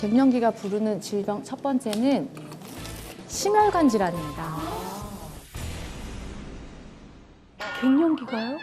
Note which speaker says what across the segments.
Speaker 1: 갱년기가 부르는 질병 첫 번째는 심혈관 질환입니다.
Speaker 2: 갱년기가요?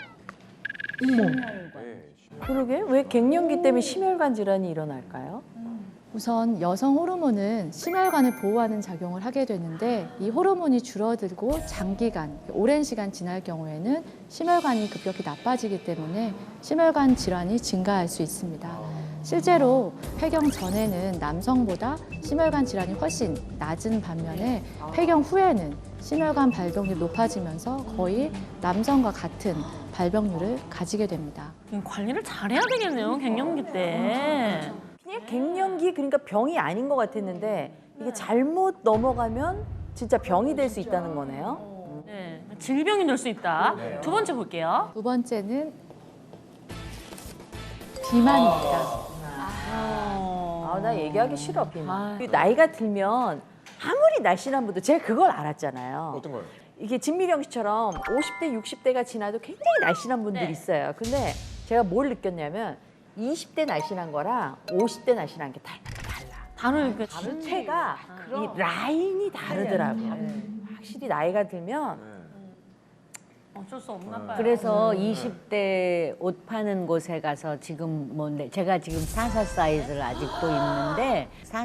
Speaker 3: 그러게 왜 갱년기 때문에 심혈관 질환이 일어날까요?
Speaker 1: 우선 여성 호르몬은 심혈관을 보호하는 작용을 하게 되는데 이 호르몬이 줄어들고 장기간, 오랜 시간 지날 경우에는 심혈관이 급격히 나빠지기 때문에 심혈관 질환이 증가할 수 있습니다. 실제로 폐경 전에는 남성보다 심혈관 질환이 훨씬 낮은 반면에 폐경 후에는 심혈관 발병률이 높아지면서 거의 남성과 같은 발병률을 가지게 됩니다.
Speaker 2: 관리를 잘해야 되겠네요, 갱년기 때.
Speaker 3: 그냥 갱년기 그러니까 병이 아닌 것 같았는데 이게 잘못 넘어가면 진짜 병이 될 수 있다는 거네요.
Speaker 2: 네, 질병이 될 수 있다. 두 번째 볼게요.
Speaker 1: 두 번째는 비만입니다.
Speaker 3: 나 얘기하기 싫어 비만.
Speaker 2: 아.
Speaker 3: 나이가 들면 아무리 날씬한 분도 제가 그걸 알았잖아요.
Speaker 4: 어떤 거요?
Speaker 3: 이게 진미령 씨처럼 50대, 60대가 지나도 굉장히 날씬한 분들이
Speaker 2: 네.
Speaker 3: 있어요. 근데 제가 뭘 느꼈냐면 20대 날씬한 거랑 50대 날씬한 게 달라.
Speaker 2: 다르니까
Speaker 3: 자체가 이 라인이 다르더라고요. 확실히 나이가 들면
Speaker 2: 어쩔 수 없나 봐요.
Speaker 5: 그래서 20대 옷 파는 곳에 가서 지금 제가 지금 44 사이즈를 아직도 입는데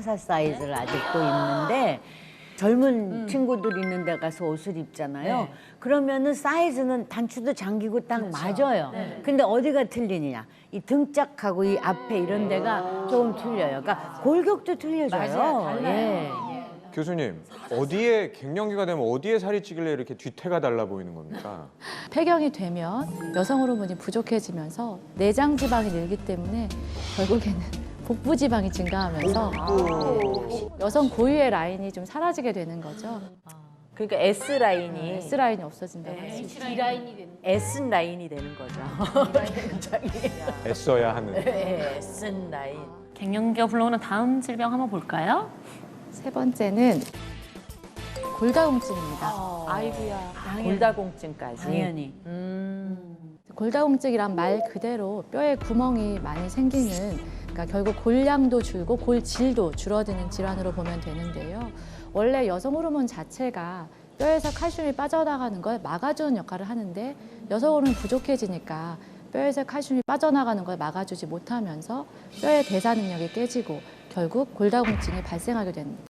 Speaker 5: 젊은 친구들 있는 데 가서 옷을 입잖아요. 그러면은 사이즈는 단추도 잠기고 딱 맞아요. 근데 어디가 틀리느냐? 이 등짝하고 이 앞에 이런 데가 조금 틀려요. 그러니까 골격도 틀려져요. 예.
Speaker 4: 교수님, 어디에 갱년기가 되면 어디에 살이 찌길래 이렇게 뒤태가 달라 보이는 겁니까?
Speaker 1: 폐경이 되면 여성 호르몬이 부족해지면서 내장 지방이 늘기 때문에 결국에는 복부 지방이 증가하면서 여성 고유의 라인이 좀 사라지게 되는 거죠.
Speaker 3: 그러니까 S 라인이
Speaker 1: S 라인이 없어진다고 할 수 있어요.
Speaker 3: S 라인이 되는 거죠.
Speaker 4: 애써야 하는.
Speaker 3: S 라인.
Speaker 2: 갱년기가 불러오는 다음 질병 한번 볼까요?
Speaker 1: 세 번째는 골다공증입니다.
Speaker 3: 아이고야. 골다공증까지.
Speaker 5: 당연히.
Speaker 1: 골다공증이란 말 그대로 뼈에 구멍이 많이 생기는, 그러니까 결국 골량도 줄고 골질도 줄어드는 질환으로 보면 되는데요. 원래 여성 호르몬 자체가 뼈에서 칼슘이 빠져나가는 걸 막아주는 역할을 하는데 여성 호르몬이 부족해지니까 뼈에서 칼슘이 빠져나가는 걸 막아주지 못하면서 뼈의 대사 능력이 깨지고 결국 골다공증이 발생하게 됩니다.